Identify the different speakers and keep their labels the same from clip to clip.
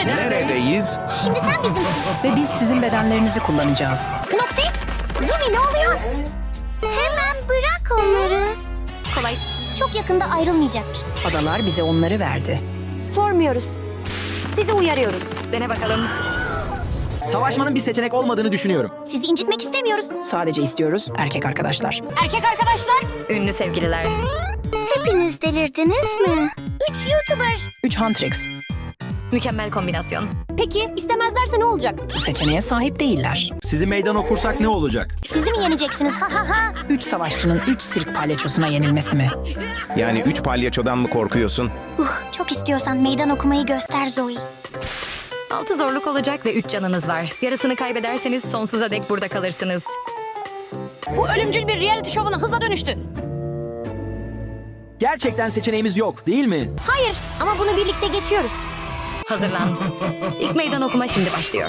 Speaker 1: Neredeyiz?
Speaker 2: Şimdi sen bizimsin.
Speaker 3: Ve biz sizin bedenlerinizi kullanacağız.
Speaker 2: Noxy, Zumi ne oluyor? Hemen bırak onları. Kolay. Çok yakında ayrılmayacaklar.
Speaker 3: Adalar bize onları verdi.
Speaker 2: Sormuyoruz. Sizi uyarıyoruz.
Speaker 4: Dene bakalım.
Speaker 5: Savaşmanın bir seçenek olmadığını düşünüyorum.
Speaker 2: Sizi incitmek istemiyoruz.
Speaker 3: Sadece istiyoruz erkek arkadaşlar.
Speaker 2: Erkek arkadaşlar.
Speaker 4: Ünlü sevgililer.
Speaker 2: Hepiniz delirdiniz mi? 3 YouTuber.
Speaker 3: 3 Huntrix.
Speaker 4: Mükemmel kombinasyon.
Speaker 2: Peki istemezlerse ne olacak?
Speaker 3: Bu seçeneğe sahip değiller.
Speaker 5: Sizi meydan okursak ne olacak?
Speaker 2: Sizi mi yeneceksiniz? Ha ha ha.
Speaker 3: 3 savaşçının 3 sirk palyaçosuna yenilmesi mi?
Speaker 1: Yani 3 palyaçodan mı korkuyorsun?
Speaker 2: Çok istiyorsan meydan okumayı göster Zoe.
Speaker 4: 6 zorluk olacak ve 3 canınız var. Yarısını kaybederseniz sonsuza dek burada kalırsınız.
Speaker 2: Bu ölümcül bir reality şovuna hızla dönüştü.
Speaker 5: Gerçekten seçeneğimiz yok, değil mi?
Speaker 2: Hayır ama bunu birlikte geçiyoruz.
Speaker 4: Hazırlan. İlk meydan okuma şimdi başlıyor.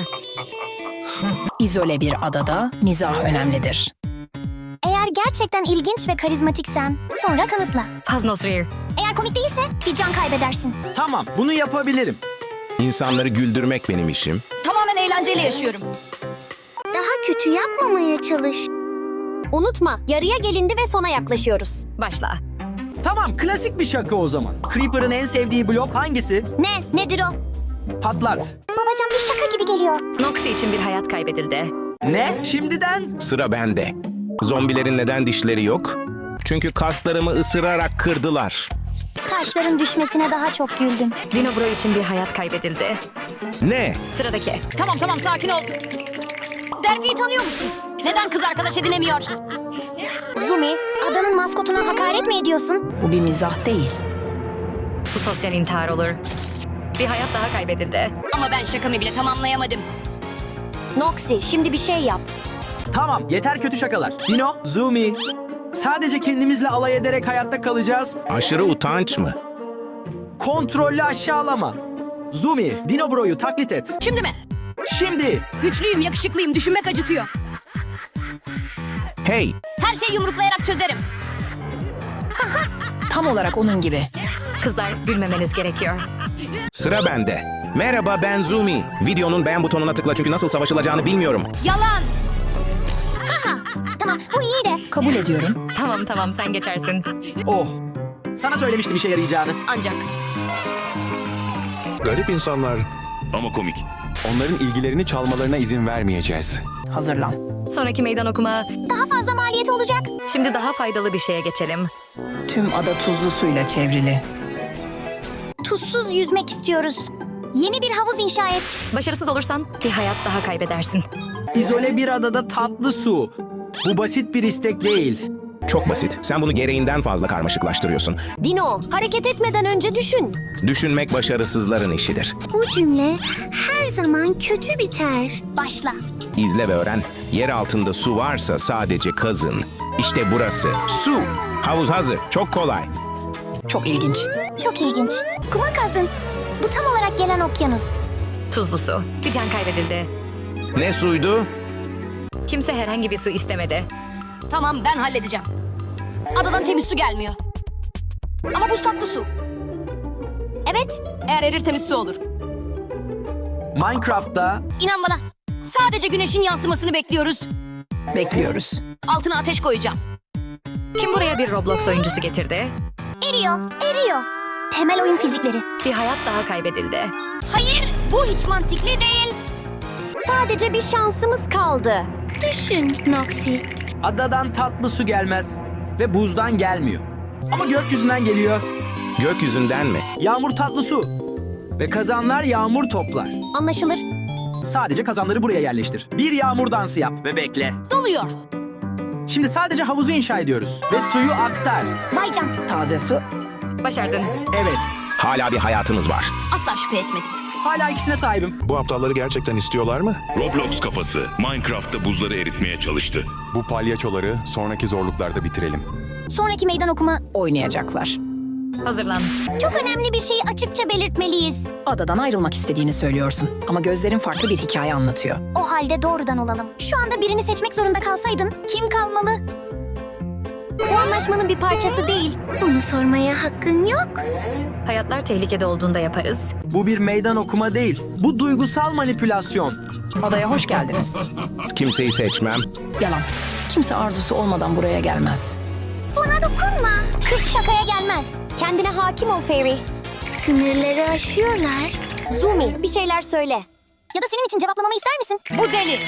Speaker 3: İzole bir adada mizah önemlidir.
Speaker 2: Eğer gerçekten ilginç ve karizmatiksen sonra kanıtla.
Speaker 4: Faznosrir.
Speaker 2: Eğer komik değilse bir can kaybedersin.
Speaker 5: Tamam, bunu yapabilirim.
Speaker 1: İnsanları güldürmek benim işim.
Speaker 4: Tamamen eğlenceli yaşıyorum.
Speaker 2: Daha kötü yapmamaya çalış. Unutma, yarıya gelindi ve sona yaklaşıyoruz.
Speaker 4: Başla.
Speaker 5: Tamam, klasik bir şaka o zaman. Creeper'ın en sevdiği blok hangisi?
Speaker 2: Nedir o?
Speaker 5: Patlat.
Speaker 2: Babacan bir şaka gibi geliyor.
Speaker 4: Noxy için bir hayat kaybedildi.
Speaker 5: Ne? Şimdiden?
Speaker 1: Sıra bende. Zombilerin neden dişleri yok? Çünkü kaslarımı ısırarak kırdılar.
Speaker 2: Taşların düşmesine daha çok güldüm.
Speaker 4: Dinobro için bir hayat kaybedildi.
Speaker 1: Ne?
Speaker 4: Sıradaki.
Speaker 6: Tamam sakin ol. Dervi'yi tanıyor musun? Neden kız arkadaş edinemiyor?
Speaker 2: Zumi, adanın maskotuna hakaret mi ediyorsun?
Speaker 3: Bu bir mizah değil.
Speaker 4: Bu sosyal intihar olur. Bir hayat daha kaybedildi.
Speaker 6: Ama ben şakamı bile tamamlayamadım.
Speaker 2: Noxy, şimdi bir şey yap.
Speaker 5: Tamam, yeter kötü şakalar. Dino, Zumi. Sadece kendimizle alay ederek hayatta kalacağız.
Speaker 1: Aşırı utanç mı?
Speaker 5: Kontrollü aşağılama. Zumi, Dinobro'yu taklit et.
Speaker 6: Şimdi mi?
Speaker 5: Şimdi.
Speaker 6: Güçlüyüm, yakışıklıyım, düşünmek acıtıyor.
Speaker 1: Hey!
Speaker 6: Her şeyi yumruklayarak çözerim.
Speaker 3: Tam olarak onun gibi.
Speaker 4: Kızlar gülmemeniz gerekiyor.
Speaker 1: Sıra bende. Merhaba, ben Zumi. Videonun beğen butonuna tıkla çünkü nasıl savaşılacağını bilmiyorum.
Speaker 6: Yalan!
Speaker 2: Tamam, bu iyi de.
Speaker 3: Kabul ediyorum.
Speaker 4: Tamam sen geçersin.
Speaker 5: Oh. Sana söylemiştim işe yarayacağını.
Speaker 6: Ancak
Speaker 7: Garip insanlar.
Speaker 8: Ama komik.
Speaker 7: Onların ilgilerini çalmalarına izin vermeyeceğiz.
Speaker 3: Hazırlan.
Speaker 4: Sonraki meydan okuma.
Speaker 2: Daha fazla maliyeti olacak.
Speaker 4: Şimdi daha faydalı bir şeye geçelim.
Speaker 3: Tüm ada tuzlu suyla çevrili.
Speaker 2: Tuzsuz yüzmek istiyoruz. Yeni bir havuz inşa et.
Speaker 4: Başarısız olursan bir hayat daha kaybedersin.
Speaker 5: İzole bir adada tatlı su. Bu basit bir istek değil.
Speaker 1: Çok basit. Sen bunu gereğinden fazla karmaşıklaştırıyorsun.
Speaker 2: Dino, hareket etmeden önce düşün.
Speaker 1: Düşünmek başarısızların işidir.
Speaker 2: Bu cümle her zaman kötü biter. Başla.
Speaker 1: İzle ve öğren. Yer altında su varsa sadece kazın. İşte burası. Su. Havuz hazır. Çok kolay.
Speaker 3: Çok ilginç.
Speaker 2: Çok ilginç. Kuma kazdın. Bu tam olarak gelen okyanus.
Speaker 4: Tuzlu su. Bir can kaybedildi.
Speaker 1: Ne suydu?
Speaker 4: Kimse herhangi bir su istemedi.
Speaker 6: tamam ben halledeceğim. Adadan temiz su gelmiyor. Ama buz tatlı su.
Speaker 2: Evet,
Speaker 6: Eğer erir temiz su olur.
Speaker 5: Minecraft'ta
Speaker 6: İnan bana. Sadece güneşin yansımasını bekliyoruz.
Speaker 3: Bekliyoruz.
Speaker 6: Altına ateş koyacağım.
Speaker 4: Kim buraya bir Roblox oyuncusu getirdi?
Speaker 2: eriyor. Temel oyun fizikleri.
Speaker 4: Bir hayat daha kaybedildi.
Speaker 6: Hayır, bu hiç mantıklı değil.
Speaker 2: Sadece bir şansımız kaldı. Düşün Noxy.
Speaker 5: adadan tatlı su gelmez. Ve buzdan gelmiyor. Ama gökyüzünden geliyor.
Speaker 1: Gökyüzünden mi?
Speaker 5: Yağmur tatlı su. Ve kazanlar yağmur toplar.
Speaker 2: Anlaşılır.
Speaker 5: Sadece kazanları buraya yerleştir. Bir yağmur dansı yap ve bekle.
Speaker 6: Doluyor.
Speaker 5: Şimdi sadece havuzu inşa ediyoruz. Ve suyu aktar.
Speaker 2: Vay can.
Speaker 3: Taze su.
Speaker 4: Başardın.
Speaker 5: Evet.
Speaker 1: Hala bir hayatımız var.
Speaker 6: Asla şüphe etmedim.
Speaker 5: Hala ikisine sahibim.
Speaker 7: Bu aptalları gerçekten istiyorlar mı?
Speaker 8: Roblox kafası Minecraft'ta buzları eritmeye çalıştı.
Speaker 7: Bu palyaçoları sonraki zorluklarda bitirelim.
Speaker 2: Sonraki meydan okuma
Speaker 3: Oynayacaklar.
Speaker 4: Hazırlan.
Speaker 2: çok önemli bir şeyi açıkça belirtmeliyiz.
Speaker 3: Adadan ayrılmak istediğini söylüyorsun. Ama gözlerin farklı bir hikaye anlatıyor.
Speaker 2: O halde doğrudan olalım. Şu anda birini seçmek zorunda kalsaydın kim kalmalı? Bu anlaşmanın bir parçası değil. Bunu sormaya hakkın yok.
Speaker 4: Hayatlar tehlikede olduğunda yaparız.
Speaker 5: Bu bir meydan okuma değil. Bu duygusal manipülasyon.
Speaker 3: Adaya hoş geldiniz.
Speaker 1: Kimseyi seçmem.
Speaker 3: Yalan. Kimse arzusu olmadan buraya gelmez.
Speaker 2: Buna dokunma. Kız şakaya gelmez. Kendine hakim ol Fairy. Sınırları aşıyorlar. Zumi bir şeyler söyle. Ya da senin için cevaplamamı ister misin?
Speaker 6: Bu deli.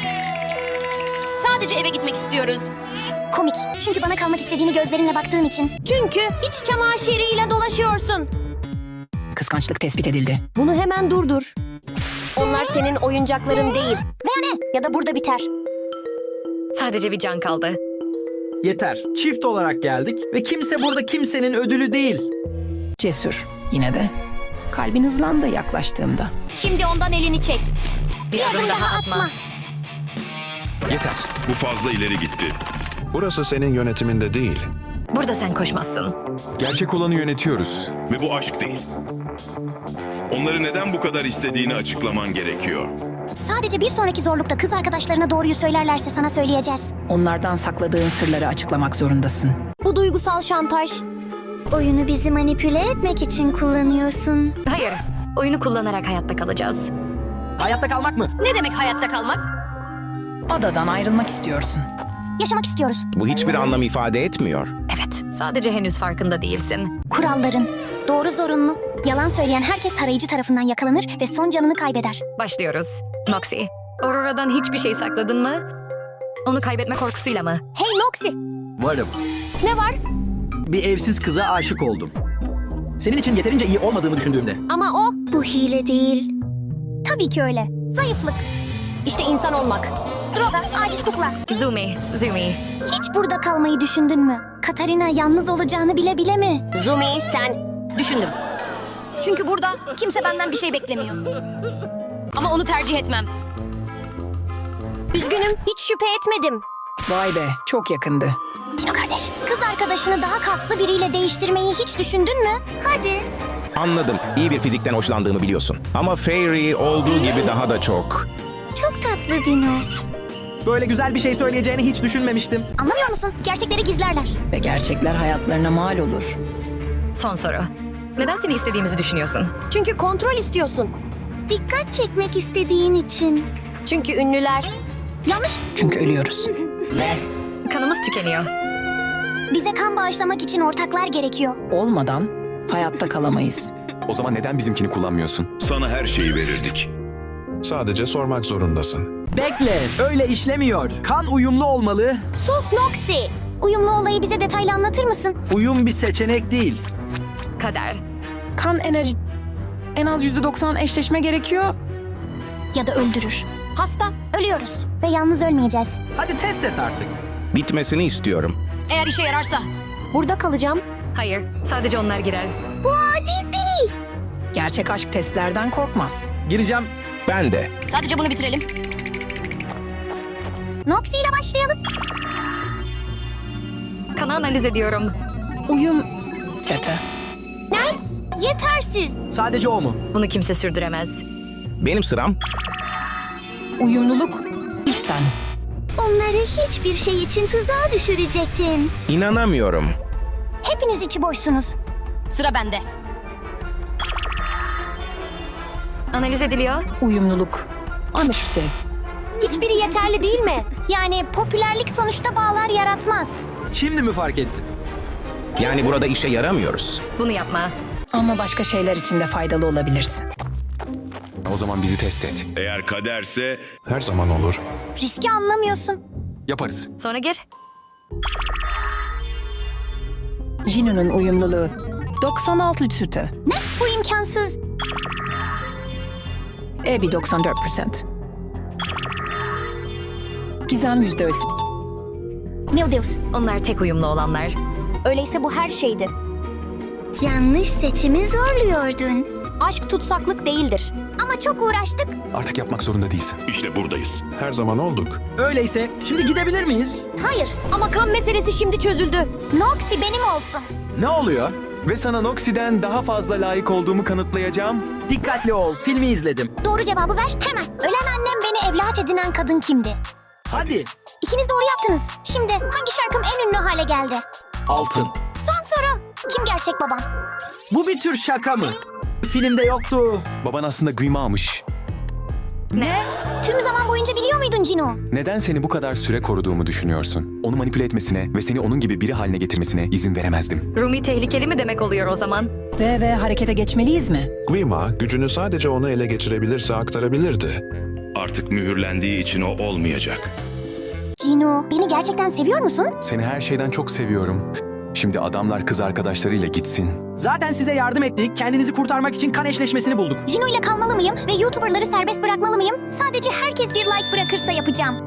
Speaker 6: Sadece eve gitmek istiyoruz.
Speaker 2: Komik. Çünkü bana kalmak istediğini gözlerinle baktığın için. Çünkü iç çamaşırıyla dolaşıyorsun.
Speaker 3: Kıskançlık tespit edildi.
Speaker 2: Bunu hemen durdur. Onlar senin oyuncakların değil. Veya ne? Ya da burada biter.
Speaker 4: Sadece bir can kaldı.
Speaker 5: Yeter. Çift olarak geldik ve kimse burada kimsenin ödülü değil.
Speaker 3: Cesur. Yine de. Kalbin hızlandı yaklaştığımda.
Speaker 2: Şimdi ondan elini çek.
Speaker 4: Bir adım daha atma.
Speaker 7: Yeter.
Speaker 8: Bu fazla ileri gitti.
Speaker 7: Burası senin yönetiminde değil.
Speaker 4: Burada sen koşmazsın.
Speaker 7: Gerçek olanı yönetiyoruz.
Speaker 8: Ve bu aşk değil. Onları neden bu kadar istediğini açıklaman gerekiyor.
Speaker 2: Sadece bir sonraki zorlukta kız arkadaşlarına doğruyu söylerlerse sana söyleyeceğiz.
Speaker 3: Onlardan sakladığın sırları açıklamak zorundasın.
Speaker 2: Bu duygusal şantaj. Oyunu bizi manipüle etmek için kullanıyorsun.
Speaker 4: Hayır. Oyunu kullanarak hayatta kalacağız.
Speaker 5: Hayatta kalmak mı?
Speaker 6: Ne demek hayatta kalmak?
Speaker 3: Adadan ayrılmak istiyorsun.
Speaker 2: Yaşamak istiyoruz.
Speaker 1: Bu hiçbir anlam ifade etmiyor.
Speaker 4: Evet. Sadece henüz farkında değilsin.
Speaker 2: Kuralların. Doğru zorunlu. Yalan söyleyen herkes tarayıcı tarafından yakalanır ve son canını kaybeder.
Speaker 4: Başlıyoruz. Noxy. Aurora'dan hiçbir şey sakladın mı? Onu kaybetme korkusuyla mı?
Speaker 2: Hey Noxy.
Speaker 5: Varım.
Speaker 2: Ne var?
Speaker 5: Bir evsiz kıza aşık oldum. Senin için yeterince iyi olmadığımı düşündüğümde.
Speaker 2: Ama o... Bu hile değil. Tabii ki öyle. Zayıflık. İşte insan olmak. Droga, aciz kukla.
Speaker 4: Zumi.
Speaker 2: Hiç burada kalmayı düşündün mü? Katarina yalnız olacağını bile bile mi? Zumi sen...
Speaker 6: Düşündüm. Çünkü burada kimse benden bir şey beklemiyor. Ama onu tercih etmem.
Speaker 2: Üzgünüm, hiç şüphe etmedim.
Speaker 3: Vay be, çok yakındı.
Speaker 2: Dino kardeş, kız arkadaşını daha kaslı biriyle değiştirmeyi hiç düşündün mü? Hadi.
Speaker 1: Anladım. İyi bir fizikten hoşlandığımı biliyorsun. Ama Fairy olduğu gibi daha da çok.
Speaker 2: Çok tatlı Dino.
Speaker 5: Böyle güzel bir şey söyleyeceğini hiç düşünmemiştim.
Speaker 2: Anlamıyor musun? Gerçekleri gizlerler.
Speaker 3: Ve gerçekler hayatlarına mal olur.
Speaker 4: Son soru. Neden seni istediğimizi düşünüyorsun?
Speaker 2: Çünkü kontrol istiyorsun. Dikkat çekmek istediğin için. Çünkü ünlüler. Yanlış.
Speaker 3: Çünkü ölüyoruz.
Speaker 4: Kanımız tükeniyor.
Speaker 2: Bize kan bağışlamak için ortaklar gerekiyor.
Speaker 3: Olmadan hayatta kalamayız.
Speaker 7: O zaman neden bizimkini kullanmıyorsun?
Speaker 8: Sana her şeyi verirdik.
Speaker 7: Sadece sormak zorundasın.
Speaker 5: Bekle, öyle işlemiyor. Kan uyumlu olmalı.
Speaker 2: Sus Noxy. Uyumlu olayı bize detaylı anlatır mısın?
Speaker 5: Uyum bir seçenek değil.
Speaker 4: Kader.
Speaker 3: Kan enerji... En az %90 eşleşme gerekiyor.
Speaker 2: Ya da öldürür. Hasta, ölüyoruz. Ve yalnız ölmeyeceğiz.
Speaker 5: Hadi test et artık.
Speaker 1: Bitmesini istiyorum.
Speaker 6: Eğer işe yararsa.
Speaker 2: Burada kalacağım.
Speaker 4: Hayır. Sadece onlar girer.
Speaker 2: Bu adil değil.
Speaker 3: Gerçek aşk testlerden korkmaz.
Speaker 5: Gireceğim.
Speaker 1: Ben de.
Speaker 6: Sadece bunu bitirelim.
Speaker 2: Noxy ile başlayalım.
Speaker 4: Kanı analiz ediyorum.
Speaker 3: Uyum seti.
Speaker 2: Ne? Yetersiz.
Speaker 5: Sadece o mu?
Speaker 4: Bunu kimse sürdüremez.
Speaker 1: Benim sıram.
Speaker 3: Uyumluluk sen.
Speaker 2: Onları hiçbir şey için tuzağa düşürecektin.
Speaker 1: İnanamıyorum.
Speaker 2: Hepiniz içi boşsunuz.
Speaker 6: Sıra bende.
Speaker 4: Analiz ediliyor.
Speaker 3: Uyumluluk. Anlaşılsa.
Speaker 2: Hiçbiri yeterli değil mi? Yani popülerlik sonuçta bağlar yaratmaz.
Speaker 5: Şimdi mi fark ettin?
Speaker 1: Yani burada işe yaramıyoruz.
Speaker 4: Bunu yapma.
Speaker 3: Ama başka şeyler için de faydalı olabilirsin.
Speaker 7: O zaman bizi test et.
Speaker 8: Eğer kaderse
Speaker 7: Her zaman olur.
Speaker 2: Riski anlamıyorsun.
Speaker 7: Yaparız.
Speaker 4: Sonra gir.
Speaker 3: Jino'nun uyumluluğu 96 sütü.
Speaker 2: Ne? Bu imkansız.
Speaker 3: Ebi 94%. Gizem %100.
Speaker 2: Mildews.
Speaker 4: Onlar tek uyumlu olanlar.
Speaker 2: Öyleyse bu her şeydi. Yanlış seçimi zorluyordun. Aşk tutsaklık değildir. Ama çok uğraştık.
Speaker 7: Artık yapmak zorunda değilsin.
Speaker 8: işte buradayız.
Speaker 7: Her zaman olduk.
Speaker 5: Öyleyse şimdi gidebilir miyiz?
Speaker 2: Hayır ama kan meselesi şimdi çözüldü. Noxy benim olsun.
Speaker 5: Ne oluyor?
Speaker 7: Ve sana Noxy'den daha fazla layık olduğumu kanıtlayacağım.
Speaker 5: Dikkatli ol, filmi izledim.
Speaker 2: Doğru cevabı ver hemen. Ölen annem beni evlat edinen kadın kimdi?
Speaker 5: Hadi.
Speaker 2: İkiniz doğru yaptınız. Şimdi hangi şarkım en ünlü hale geldi?
Speaker 5: Altın.
Speaker 2: Son soru. Kim gerçek babam?
Speaker 5: Bu bir tür şaka mı? Filmde yoktu.
Speaker 7: Baban aslında Guimau'muş.
Speaker 2: Tüm zaman boyunca biliyor muydun Cino?
Speaker 7: Neden seni bu kadar süre koruduğumu düşünüyorsun? Onu manipüle etmesine ve seni onun gibi biri haline getirmesine izin veremezdim.
Speaker 4: Rumi tehlikeli mi demek oluyor o zaman?
Speaker 3: Ve harekete geçmeliyiz mi?
Speaker 9: Guima gücünü sadece onu ele geçirebilirse aktarabilirdi.
Speaker 8: Artık mühürlendiği için o olmayacak.
Speaker 2: Cino, beni gerçekten seviyor musun?
Speaker 7: Seni her şeyden çok seviyorum. Şimdi adamlar kız arkadaşlarıyla gitsin.
Speaker 5: Zaten size yardım ettik. Kendinizi kurtarmak için kan eşleşmesini bulduk.
Speaker 2: Cino ile kalmalı mıyım ve YouTuber'ları serbest bırakmalı mıyım? Sadece herkes bir like bırakırsa yapacağım.